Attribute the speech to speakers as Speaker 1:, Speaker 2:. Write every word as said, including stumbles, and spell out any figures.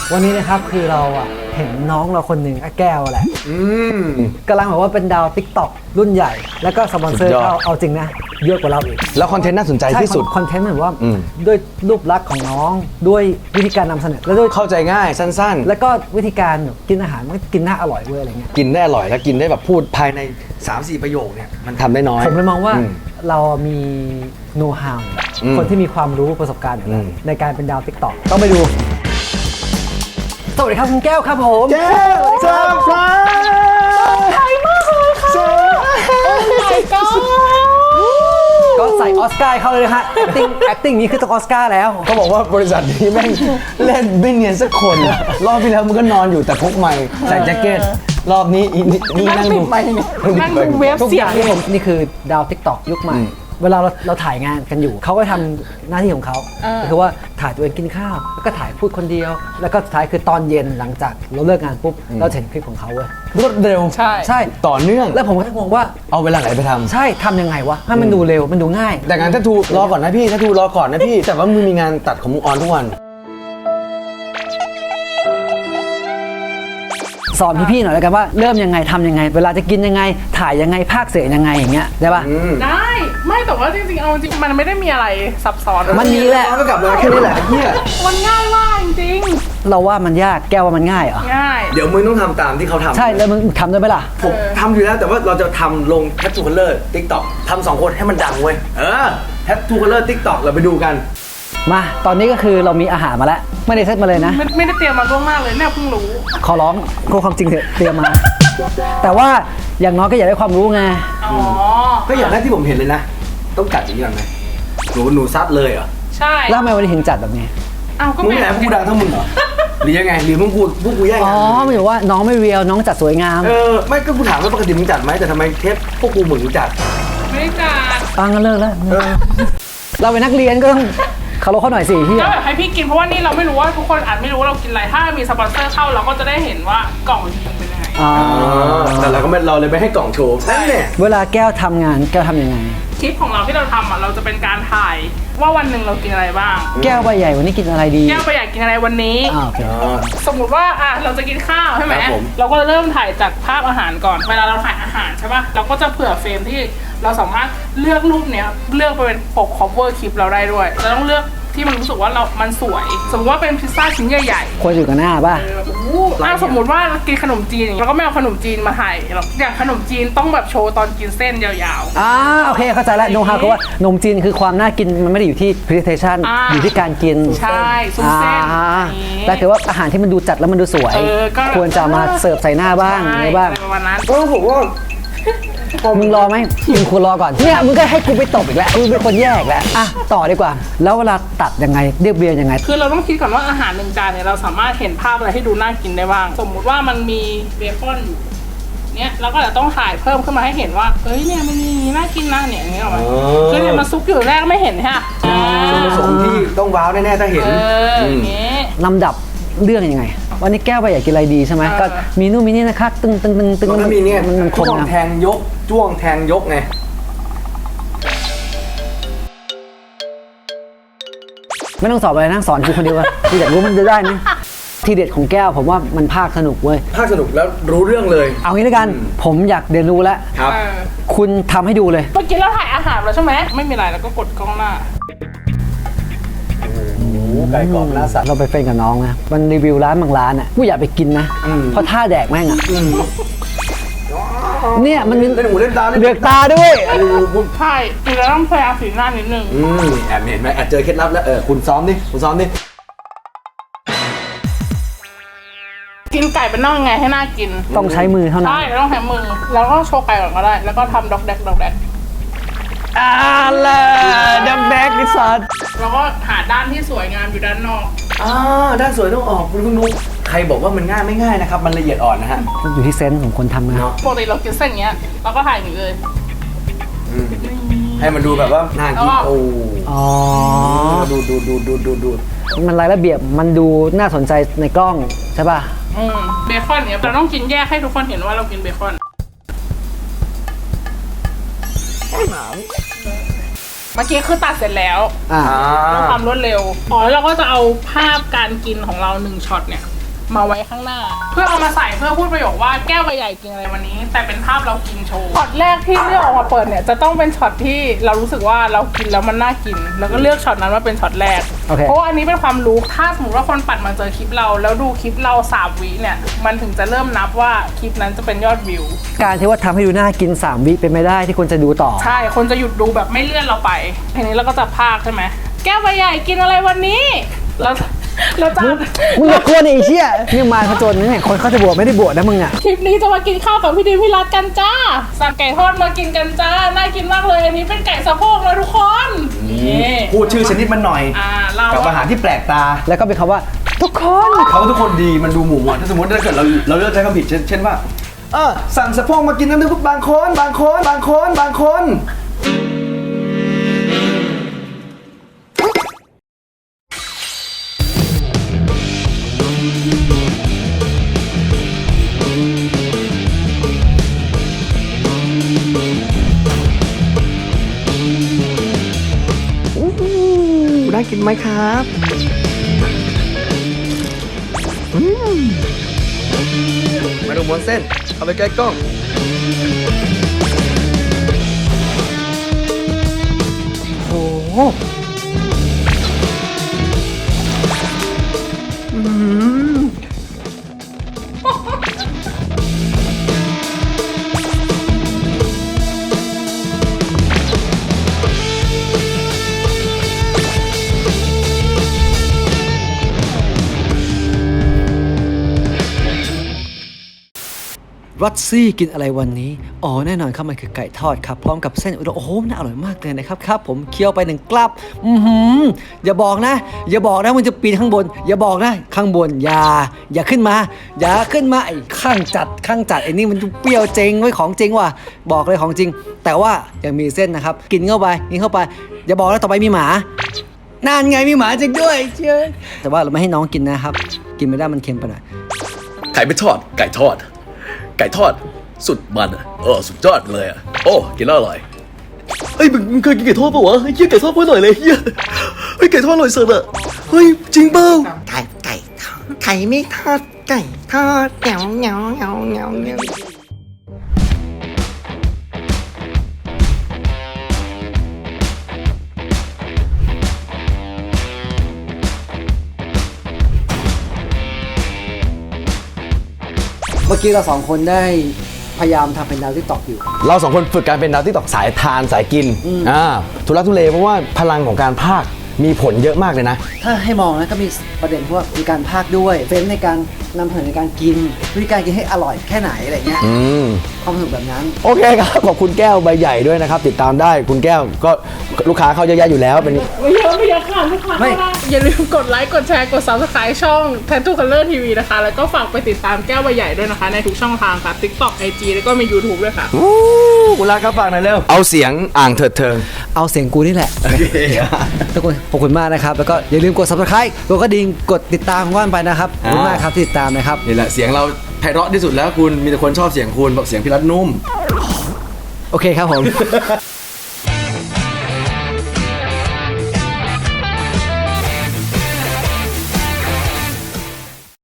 Speaker 1: วันนี้นะครับคือเราอ่ะเห็นน้องเราคนหนึ่งแก้วแหละกำลังแบบว่าเป็นดาว ติ๊กต็อก รุ่นใหญ่แล้วก็สปอนเซอร์เข้าเอาจริงนะเยอะกว่าเราอีก
Speaker 2: แล้วคอนเทนต์น่าสนใจที่สุด
Speaker 1: คอนเทนต์เหมือนว่าด้วยรูปลักษณ์ของน้องด้วยวิธีการนำเสนอแล้วด้วย
Speaker 2: เข้าใจง่ายสั้น
Speaker 1: ๆแล้วก็วิธีการกินอาหารมันกินน่าอร่อยเว้ยอะไรเงี้ย
Speaker 2: กินได้อร่อยแล้วกินได้แบบพูดภายใน สามสี่ ประโยคเนี่ยมันทำได้น้อย
Speaker 1: ผมเลยมองว่าเรามีโน้ตฮาวคนที่มีความรู้ประสบการณ์อยู่แล้วในการเป็นดาว ติ๊กต็อก ต้องไปดูสวัสดีครับคุณแก้วครับผม
Speaker 2: แก้วเซอร์ไพรส์
Speaker 3: ไทยมากเลยค่ะโอ้ my god
Speaker 1: ก็ใส่ออสการ์เข้าเลยนะฮะ acting acting นี้คือต้องออสการ์แล้ว
Speaker 2: เขาบอกว่าบริษัทนี้แม่งเล่นไม่เนียนสักคนรอบที่แล้วมันก็นอนอยู่แต่พกไมค์ใส่แจ็คเก็ตรอบนี้นี่นั่งดู
Speaker 3: นั่งดูเว็บ
Speaker 1: ทุก
Speaker 3: เสี
Speaker 1: อย ย่าง งที่ผมนี่คือดาว ติ๊กต็อก ยุคใหม่เวลาเราเราถ่ายงานกันอยู่เขาก็ทำหน้าที่ของเขาคือว่าถ่ายตัวเองกินข้าวแล้วก็ถ่ายพูดคนเดียวแล้วก็สุดท้ายคือตอนเย็นหลังจากเราเลิกงานปุ๊บเราเห็นคลิปของเขาเว้ย
Speaker 2: รวดเร็ว
Speaker 3: ใช่
Speaker 1: ใช่
Speaker 2: ต่อเนื่อง
Speaker 1: แล้วผมก็งงว่า
Speaker 2: เอาเวลาไหนไปทำ
Speaker 1: ใช่ทำยังไงวะให้มันดูเร็วมันดูง่าย
Speaker 2: แต่งานถ้าทูรอก่อนนะพี่ถ้าทูรอก่อนนะพี่แต่ว่ามึงมีงานตัดของมึงออนทุกวัน
Speaker 1: สอนพี่ๆหน่อยแล้วกันว่าเริ่มยังไงทำยังไงเวลาจะกินยังไงถ่ายยังไงภาคเสียงยังไงอย่างเงี้ยได้ป่ะ
Speaker 3: ได้ไม่แต่ว่าจริงๆเอาจริงมันไม่ได้มีอะไรซับซ้อน
Speaker 1: มันมีแหละ
Speaker 2: ก็กลับมาแค่นี้แหละเฮีย
Speaker 3: มันง่ายมากจริง
Speaker 1: เราว่ามันยากแก้วว่ามันง่ายเหรอ
Speaker 3: ง่าย
Speaker 2: เดี๋ยวมึงต้องทำตามที่เขาทำ
Speaker 1: ใช่แล้วมึงทำได้ไหมล่ะ
Speaker 2: ผมทำอยู่แล้วแต่ว่าเราจะทำลงแททูคัลเลอร์ติ๊กต็อกทำสองคนให้มันดังเว้ยเออแททูคัลเลอร์ติ๊กต็อกเราไปดูกัน
Speaker 1: มาตอนนี้ก็คือเรามีอาหารมาแล้วไม่ได้เซตมาเลยนะ
Speaker 3: ไม่ไม่ได้เตรียมมาล่วงหน้าเลยเนี่ยเพิ่งรู้
Speaker 1: ขอร้องโคความจริงเถอะเตรียมมาแต่ว่าอย่างน้อยก็อยากได้ความรู้ไง
Speaker 3: อ๋อ
Speaker 2: ก็อย่างแรกที่ผมเห็นเลยนะต้องจัดอย่างนี้ก่อนไหมหนูหนูซัดเลยเหรอ
Speaker 3: ใช่
Speaker 1: แล้วทำไมวันนี้ถึงจัดแบบนี้
Speaker 3: อ้าวก็
Speaker 2: มึงแหละกูดังเท่ามึงเหรอหรือยังไงหรือมึงกูพวกกูแย่งกัน
Speaker 1: อ๋อไม่บอกว่าน้องไม่เรียวน้องจัดสวยงาม
Speaker 2: เออไม่ก็กูถามว่าปกติมึงจัดไหมแต่ทำไมเทปพวกกูเหมือนกูจัด
Speaker 3: ไม่จัด
Speaker 1: ปังกันเลิกแล้วเราเป็นนักเรียนก็ต้องเขาลดเขาหน่อยสิพี่
Speaker 3: ก็แบบให้พี่กินเพราะว่านี่เราไม่รู้ว่าทุกคนอาจไม่รู้ว่าเรากินอะไรถ้ามีสปอนเซอร์เข้าเราก็จะได้เห็นว่ากล่องจริงเป็นยังไง
Speaker 2: อ๋อแต่เราก็ไม่เราเลยไม่ให้กล่องโชว์นั่นแหละ
Speaker 1: เวลาแก้วทำงานแก้วทำยังไง
Speaker 3: คลิปของเราที่เราทำอ่ะเราจะเป็นการถ่ายว่าวันหนึ่งเรากินอะไรบ้าง
Speaker 1: แก้วใบใหญ่วันนี้กินอะไรดี
Speaker 3: แก้วใบใหญ่กินอะไรวันนี้สมมุติว่าอ่ะเราจะกินข้าวใช่ไหมเราก็เริ่มถ่ายจากภาพอาหารก่อนเวลาเราถ่ายอาหารใช่ป่ะเราก็จะเผื่อเฟรมที่เราสามารถเลือกรูปเนี้ยเลือกไปเป็นปก cover คลิปเราได้ด้วยเราต้องเลือกที่มันรู้สึกว่าเรา มันสวยสมมติว่าเป็นพิซซ่าชิ้นใหญ่
Speaker 1: ๆควรอยู่กับหน้าป่ะ
Speaker 3: ถ้าสมมติว่ากินขนมจีนเราก็ไม่เอาขนมจีนมาถ่ายอย่างขนมจีนต้องแบบโชว์ตอนกินเส้นยาว
Speaker 1: ๆอ่าโอเคเข้าใจแล้วโน้ตฮาวคือว่าขนมจีนคือความน่ากินมันไม่ได้อยู่ที่ presentation อยู่ที่การกิน
Speaker 3: ใช่ซุ้มเส้น
Speaker 1: แต่ถือว่าอาหารที่มันดูจัดแล้วมันดูสวยควรจะมาเสิร์ฟใส่หน้าบ้างอะไรบ้าง
Speaker 2: ก็ผมว่า
Speaker 1: มึงรอไหมมึงควรรอก่อนเนี่ยมึงก็ให้กูไปตบอีกแล้วมึงเป็นคนแยกแล้วอ่ะต่อดีกว่าแล้วเวลาตัดยังไงเรียบเรียงยังไง
Speaker 3: คือเราต้องคิดก่อนว่าอาหารหนึ่งจานเนี่ยเราสามารถเห็นภาพอะไรให้ดูน่ากินได้บ้างสมมุติว่ามันมีเบคอนอยู่เนี่ยเราก็จะต้องถ่ายเพิ่มขึ้นมาให้เห็นว่าเอ้ยเนี่ยมันมีน่ากินนะเนี่ยอย่างเงี้ยหรอคือเนี่ยมันซุกอยู่แรกไม่เห็นฮะ
Speaker 2: ส่วนผสมที่ต้องว้าวแน่ๆถ้าเห็น
Speaker 3: อย่างเงี้ย
Speaker 1: ลำดับเรื่องยังไงวันนี้แก้วไปอยากกินอะไรดีใช่ไหมก็มีนู่นมีนี่นะคะตึงตึงตึงตึง
Speaker 2: มันมีเนี่ย
Speaker 1: มันคม
Speaker 2: แทงยกจ้วงแทงยกไง
Speaker 1: ไม่ต้องสอบอะไรนะสอนกูคนเดียวกูอยากรู้มันจะได้ไหมทีเด็ดของแก้วผมว่ามันภาคสนุกเว้ย
Speaker 2: ภาคสนุกแล้วรู้เรื่องเลย
Speaker 1: เอางี้แล้วกันผมอยากเรียนรู้แล้ว
Speaker 2: ครับ
Speaker 1: คุณทำให้ดูเลย
Speaker 3: เมื่อกี้เราถ่ายอาหารแล้วใช่ไหมไม่มีอะไรแล้วก็กดกล้องหน้า
Speaker 2: ไก่กรอบหน้าสัตว์
Speaker 1: เราไปเฟรนกับน้องนะมันรีวิวร้านบางร้านอ่ะกูอยากไปกินนะเพราะท่าแดกแม่งอ่ะเนี่ยมัน
Speaker 2: เล่นหูเล่นตา
Speaker 1: เลือกตาด้วย
Speaker 3: ใช่คือเราต้องพยายามสีหน้านิดนึง
Speaker 2: แอบเห็นไหมแอบเจอเคล็ดลับแล้วเออคุณซ้อมดิคุณซ้อมดิ
Speaker 3: กินไก่เป็นน่องไงให้น่ากิน
Speaker 1: ต้องใช้มือเท่านั้น
Speaker 3: ใช่ต้องใช้มือแล้วก็โชว์ไก่ก่อนก็ได้แล้วก็ทำด็อกแดกด็อกแดก
Speaker 1: อ่าล่ะด็อกแดกดิสัต
Speaker 3: แล้วก็หาด้านที่สวยงามอยู่ด้านนอก
Speaker 2: อ่าด้านสวยต้องออกคุณคุณนุ๊กใครบอกว่ามันง่ายไม่ง่ายนะครับมันละเอียดอ่อนนะฮะ
Speaker 1: อยู่ที่เซนส์ของคนทำนะ
Speaker 3: ปกติเรากินเส้นเงี้ยเราก็ถ่ายอย่างนี้เลย
Speaker 2: ให้มันดูแบบว่าน่ากินโอ้
Speaker 1: อ๋อ
Speaker 2: ดูดูดูดูดูดู
Speaker 1: มันรายระเบียบมันดูน่าสนใจในกล้องใช่ป่ะ
Speaker 3: อืมเบคอนเนี่ยเราต้องกินแยกให้ทุกคนเห็นว่าเรากินเบคอนเมื่อกี้คือตัดเสร็จแล้วต้องทำรวดเร็วอ๋อแล้วเราก็จะเอาภาพการกินของเราหนึ่งช็อตเนี่ยมาไว้ข้างหน้า เพื่อเอามาใส่เพื่อพูดประโยคว่าแก้วใบใหญ่กินอะไรวันนี้ แต่เป็นภาพเรากินโชว์ช็อตแรกที่เลือกออกมาเปิดเนี่ยจะต้องเป็นช็อตที่เรารู้สึกว่าเรากินแล้วมันน่ากิน แล้วก็เลือกช็อตนั้นมาเป็นช็อตแรก
Speaker 1: โอเค
Speaker 3: เพราะว่าอันนี้เป็นความรู้ถ้าสมมติว่าคนปัดมาเจอคลิปเราแล้วดูคลิปเราสามวิเนี่ยมันถึงจะเริ่มนับว่าคลิปนั้นจะเป็นยอดวิว
Speaker 1: การที่ว่าทำให้ดูน่ากินสามวิเป็นไม่ได้ที่คนจะดูต่อ
Speaker 3: ใช่ คนจะหยุดดูแบบไม่เลื่อนเราไปทีนี้เราก็จะพากใช่ไหมแก้วใบใหญ่กินอะไรวันนี้เราเราจะ
Speaker 1: มึงอย่ากลัวดิไอ้เชี่ยนี่มาผจญนี่คนเขาจะบวชไม่ได้บวชนะมึงอ่ะ
Speaker 3: คลิปนี้จะมากินข้าวกับพี่ดีพี่รัตกันจ้าสั่งไก่ทอดมากินกันจ้าน่ากินมากเลยอันนี้เป็นไก่สะโพกนะทุกคนนี่
Speaker 2: พูดชื่อชนิดมันหน่อย
Speaker 3: อ่าเรา
Speaker 2: กับอาหารที่แปลกตา
Speaker 1: แล้วก็เป็นคำว่าทุกคน
Speaker 2: เขาทุกคนดีมันดูหมู่มวลถ้าสมมติถ้าเกิดเราเราเลือกใช้คำผิดเช่นเช่นว่าเออสั่งสะโพกมากินน้ำทุกบางคนบางคนบางคนบางคนได้กินไหมครับมาดูม้วนเส้น เอาไปใกล้กล้อง
Speaker 1: โอ้โห รัตซี่กินอะไรวันนี้ อ๋อแน่นอนครับมันคือไก่ทอดครับพร้อมกับเส้นอุด้งโอ้โหน่าอร่อยมากเลยนะครับครับผมเคี้ยวไปหนึ่งกลับอือหืออย่าบอกนะ อย่าบอกนะมันจะปีนข้างบน อย่าบอกนะข้างบนอย่าอย่าขึ้นมา อย่าขึ้นมาไอ้ข้างจัดข้างจัดไอ้นี่มันเปรี้ยวจริงไว้ของจริงว่ะบอกเลยของจริง แต่ว่ายังมีเส้นนะครับกินเข้าไปกินเข้าไป อย่าบอกนะต่อไปมีหมานั่นไงมีหมาจริงด้วยเชื่อแต่ว่าเราไม่ให้น้องกินนะครับ กินไม่ได้มันเค็มไปหน่อย
Speaker 4: ไข่ไม่ทอด ไก่ทอด ไก่ทอด สุดมันอ่ะเออสุดยอดเลยอ่ะ โอ้ กินแล้วอร่อยเฮ้ยมึงมึงเคยกินไก่ทอดปะวะเฮ้ยไก่ทอดเพื่ออร่อยเลยเฮ้ยเฮ้ยไก่ทอดอร่อยสุดอ่ะเฮ้ยจริงเปล่า
Speaker 5: ไก่ไก่ทอดไข่ไม่ทอดไก่ทอดเหนียวเหนียวเหนียวเหนียวเหนียว
Speaker 1: เมื่อกี้เราสองคนได้พยายามทำเป็นดาวทิกตอกอยู่
Speaker 2: เราสองคนฝึกการเป็นดาวที่ตอกสายทานสายกิน อ่า ทุลักทุเลเพราะว่าพลังของการพากย์มีผลเยอะมากเลยนะ
Speaker 1: ถ้าให้มองนะก็มีประเด็นพวกมีการพากย์ด้วยเฟ้นในการนำเสนอในการกินวิธีการกินให้อร่อยแค่ไหนอะไรเงี้ย
Speaker 2: อืม
Speaker 1: ความสนุกแบบนั้น
Speaker 2: โอเคครับ ขอบคุณแก้วใบใหญ่ด้วยนะครับ ติดตามได้คุณแก้วก็ลูกค้าเขาเยอะแยะอยู่แล้วเป็น
Speaker 3: ไม่เยอะไม่เยอะค่ะทุกคน
Speaker 1: ไม่
Speaker 3: อย่าลืมกดไลค์กดแชร์กด ซับสไครบ์ ช่อง Tattoo Color ที วี นะคะ แล้วก็ฝากไปติดตามแก้วใบใหญ่ด้วยนะคะ ในทุกช่องทางค่ะ TikTok ไอ จี แล้วก็มี YouTube ด้วยค่ะ
Speaker 2: อู้คุณรักครับฝากหน่อยเร็ว เอาเสียงอ่างเถิดเทิง
Speaker 1: เอาเสียงกูนี่แหละ
Speaker 2: โอเค
Speaker 1: ทุกคนขอบคุณมากนะครับ แล้วก็อย่าลืมกด subscribe กดกระดิ่งกดติดตามว่านไปนะครับขอบคุณมากครับที่ติดตามนะครับ
Speaker 2: นี่แหละเสียงเราไพเราะที่สุดแล้วคุณมีแต่คนชอบเสียงคุณบอกเสียงพี่รัตนุ่ม
Speaker 1: โอเคครับผม